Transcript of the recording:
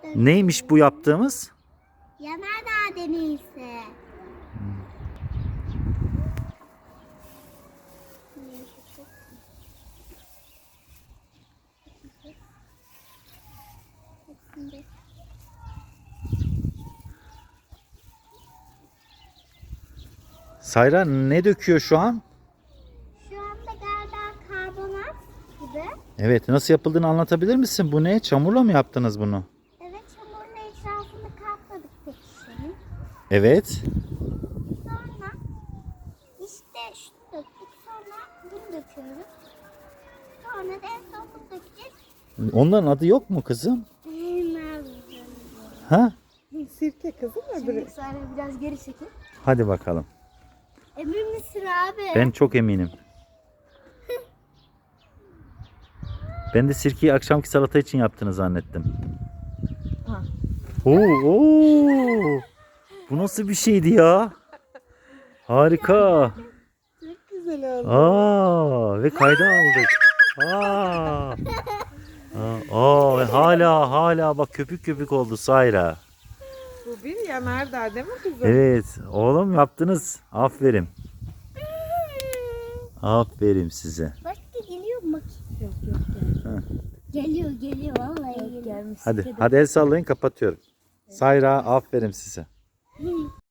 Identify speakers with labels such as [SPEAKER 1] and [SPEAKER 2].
[SPEAKER 1] Neymiş bu yaptığımız?
[SPEAKER 2] Yanardağ deneyisi.
[SPEAKER 1] Sayra ne döküyor şu an?
[SPEAKER 2] Şu anda galiba karbonat gibi.
[SPEAKER 1] Evet, nasıl yapıldığını anlatabilir misin? Bu ne? Çamurla mı yaptınız bunu?
[SPEAKER 2] Evet, çamurun etrafını kapladık tek şişenin.
[SPEAKER 1] Evet.
[SPEAKER 2] Sonra işte şunu döktük. Sonra bunu döküyoruz. Sonra da en son bunu dökeceğiz.
[SPEAKER 1] Onların adı yok mu kızım?
[SPEAKER 2] Bilmem.
[SPEAKER 1] Ha?
[SPEAKER 3] Sirke kızım öbürü.
[SPEAKER 2] Şimdi sonra biraz geri çekil.
[SPEAKER 1] Hadi bakalım.
[SPEAKER 2] Emin misin abi?
[SPEAKER 1] Ben çok eminim. Ben de sirkeyi akşamki salata için yaptığını zannettim.
[SPEAKER 3] Ha.
[SPEAKER 1] Oo. Bu nasıl bir şeydi ya? Harika.
[SPEAKER 3] Çok güzel oldu.
[SPEAKER 1] Ve kayda aldık. Aa. Ve hala bak köpük köpük oldu Sayra.
[SPEAKER 3] Bu bir yanardağ değil mi kızım?
[SPEAKER 1] Evet oğlum yaptınız. Aferin. Aferin size.
[SPEAKER 2] Başka geliyor mu?
[SPEAKER 3] Yok geldi.
[SPEAKER 1] Ha.
[SPEAKER 2] Geliyor vallahi geliyor.
[SPEAKER 3] Gelmiş.
[SPEAKER 1] Hadi el sallayın kapatıyorum. Sayra aferin size.